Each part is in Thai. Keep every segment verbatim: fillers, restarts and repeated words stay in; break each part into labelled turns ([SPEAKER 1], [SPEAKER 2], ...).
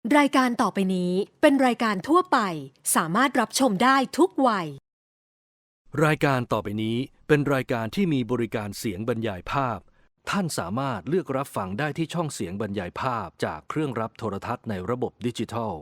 [SPEAKER 1] รายการต่อไปนี้เป็นรายการทั่วไปสามารถรับชมได้ทุกวัย
[SPEAKER 2] รายการต่อไปนี้เป็นรายการที่มีบริการเสียงบรรยายภาพท่านสามารถเลือกรับฟังได้ที่ช่องเสียงบรรยายภาพจากเครื่องรับโทรทัศน์ในระบบดิจิทัล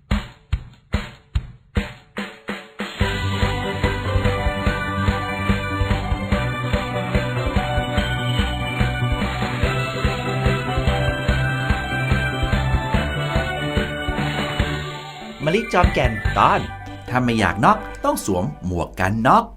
[SPEAKER 3] มะลิจอมแก่นตอนถ้าไม่อยากน็อกต้องสวมหมวกกันน็อก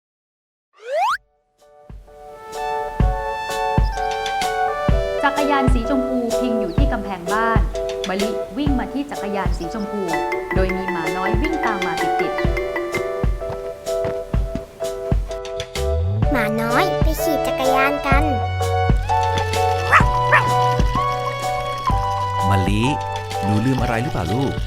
[SPEAKER 4] จักรยานสีชมพูพิงอยู่ที่กำแพงบ้านมะลิวิ่งมาที่จักรยานสีชมพูโดยมีหมาน้อยวิ่งตามมาติด
[SPEAKER 5] หมาน้อยไปขี่จักรยานกัน
[SPEAKER 3] มะลิหนูลืมอะไรหรือเปล่าลูก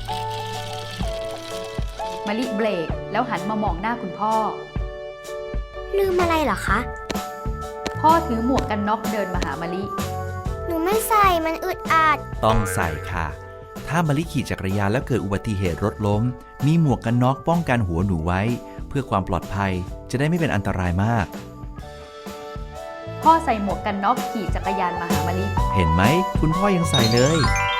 [SPEAKER 4] มะลิเบรกแล้วหันมามองหน้าคุณพ่อ
[SPEAKER 5] ลืมอะไรเหรอคะ
[SPEAKER 4] พ่อถือหมวกกันน็อกเดินมาหามะลิ
[SPEAKER 5] หนูไม่ใส่มันอึดอัด
[SPEAKER 3] ต้องใส่ค่ะถ้ามะลิขี่จักรยานแล้วเกิดอุบัติเหตุรถล้มมีหมวกกันน็อกป้องกันหัวหนูไว้เพื่อความปลอดภัยจะได้ไม่เป็นอันตรายมาก
[SPEAKER 4] พ่อใส่หมวกกันน็อกขี่จักรยานมาหามะลิ
[SPEAKER 3] เห็นไหมคุณพ่อยังใส่เลย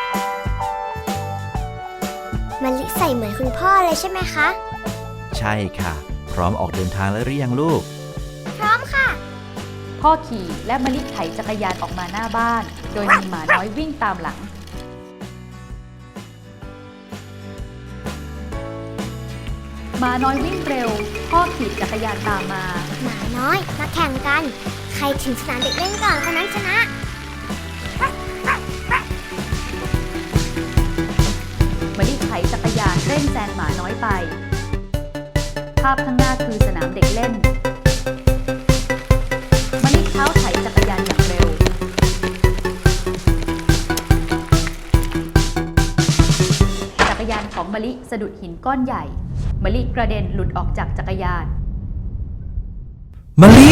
[SPEAKER 5] มะลิใส่เหมือนคุณพ่อเลยใช่ไหมคะ
[SPEAKER 3] ใช่ค่ะพร้อมออกเดินทางแล้วหรือยังลูก
[SPEAKER 5] พร้อมค่ะ
[SPEAKER 4] พ่อขี่และมะลิไถจักรยานออกมาหน้าบ้านโดยมีหมาน้อยวิ่งตามหลังหมาน้อยวิ่งเร็วพ่อขี่จักรยานตามมา
[SPEAKER 5] หมาน้อยมาแข่งกันใครถึงสนามเด็กเล่นก่อนคนนั้นชนะ
[SPEAKER 4] มะลิไถจักรยานเร่งแซงหมาน้อยไปภาพข้างหน้าคือสนามเด็กเล่นมะลิเท้าไถจักรยานอย่างเร็วจักรยานของมะลิสะดุดหินก้อนใหญ่มะลิกระเด็นหลุดออกจากจักรยาน
[SPEAKER 3] มะลิ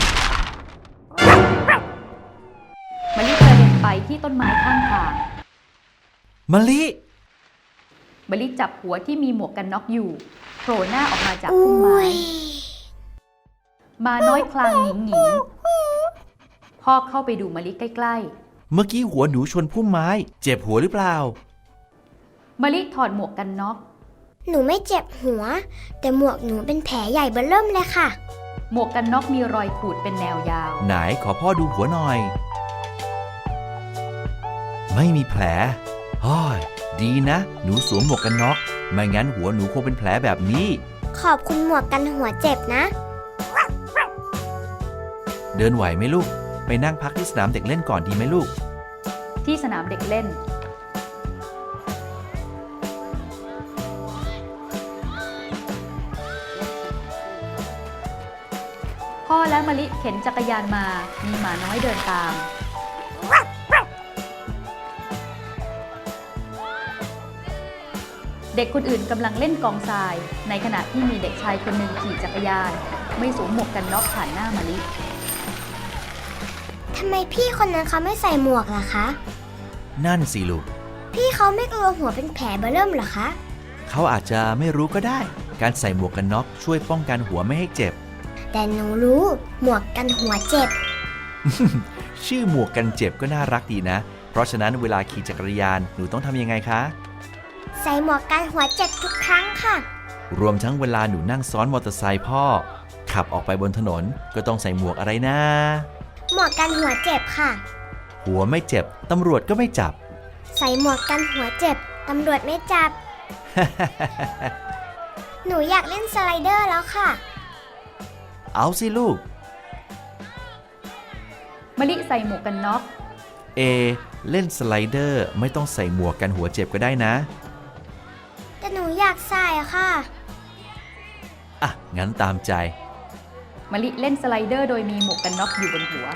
[SPEAKER 4] มะลิกระเด็นไปที่ต้นไม้ข้างทาง
[SPEAKER 3] มะลิ
[SPEAKER 4] มะลิจับหัวที่มีหมวกกันน็อกอยู่โผล่หน้าออกมาจากพุ่มไม้มาน้อยคลางหงิงหงิงพ่อเข้าไปดูมะลิใกล้
[SPEAKER 3] ๆเมื่อกี้หัวหนูชนพุ่มไม้เจ็บหัวหรือเปล่า
[SPEAKER 4] มะลิถอดหมวกกันน็อก
[SPEAKER 5] หนูไม่เจ็บหัวแต่หมวกหนูเป็นแผลใหญ่เบ้อเริ่มเลยค่ะ
[SPEAKER 4] หมวกกันน็อกมีรอยขูดเป็นแนวยาว
[SPEAKER 3] ไหนขอพ่อดูหัวหน่อยไม่มีแผลฮ้อยดีนะหนูสวมหมวกกันน็อกไม่งั้นหัวหนูคงเป็นแผลแบบนี้
[SPEAKER 5] ขอบคุณหมวกกันหัวเจ็บนะ
[SPEAKER 3] เดินไหวไหมลูกไปนั่งพักที่สนามเด็กเล่นก่อนดีไหมลูก
[SPEAKER 4] ที่สนามเด็กเล่นพ่อและมะลิเข็นจักรยานมามีหมาน้อยเดินตามเด็กคนอื่นกำลังเล่นกองทรายในขณะที่มีเด็กชายคนหนึ่งขี่จักรยานไม่สวมหมวกกันน็อกผ่านหน้ามะลิ
[SPEAKER 5] ทำไมพี่คนนั้นเขาไม่ใส่หมวกล่ะคะ
[SPEAKER 3] นั่นสิลูก
[SPEAKER 5] พี่เขาไม่กลัวหัวเป็นแผลเบ้อเริ่มเหรอคะ
[SPEAKER 3] เขาอาจจะไม่รู้ก็ได้การใส่หมวกกันน็อกช่วยป้องกันหัวไม่ให้เจ็บ
[SPEAKER 5] แต่หนูรู้หมวกกันหัวเจ็บ
[SPEAKER 3] ชื่อหมวกกันเจ็บก็น่ารักดีนะเพราะฉะนั้นเวลาขี่จักรยานหนูต้องทำยังไงคะ
[SPEAKER 5] ใส่หมวกกันหัวเจ็บทุกครั้งค่ะ
[SPEAKER 3] รวมทั้งเวลาหนูนั่งซ้อนมอเตอร์ไซค์พ่อขับออกไปบนถนนก็ต้องใส่หมวกอะไรนะ
[SPEAKER 5] หมวกกันหัวเจ็บค่ะ
[SPEAKER 3] หัวไม่เจ็บตำรวจก็ไม่จับ
[SPEAKER 5] ใส่หมวกกันหัวเจ็บตำรวจไม่จับ หนูอยากเล่นสไลเดอร์แล้วค่ะ
[SPEAKER 3] เอาสิลูก
[SPEAKER 4] มะลิใส่หมวกกันน็อก
[SPEAKER 3] เอเล่นสไลเดอร์ไม่ต้องใส่หมวกกันหัวเจ็บก็ได้นะ
[SPEAKER 5] แต่หนูอยากใส่ค่ะ
[SPEAKER 3] อ่ะงั้นตามใจ
[SPEAKER 4] มะลิเล่นสไลเดอร์โดยมีหมวกกันน็อกอยู่บนหัว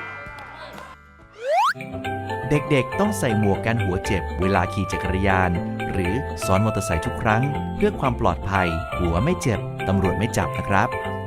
[SPEAKER 3] เด็กๆต้องใส่หมวกกันหัวเจ็บเวลาขี่จักรยานหรือซ้อนมอเตอร์ไซค์ทุกครั้งเพื่อความปลอดภัยหัวไม่เจ็บตำรวจไม่จับนะครับ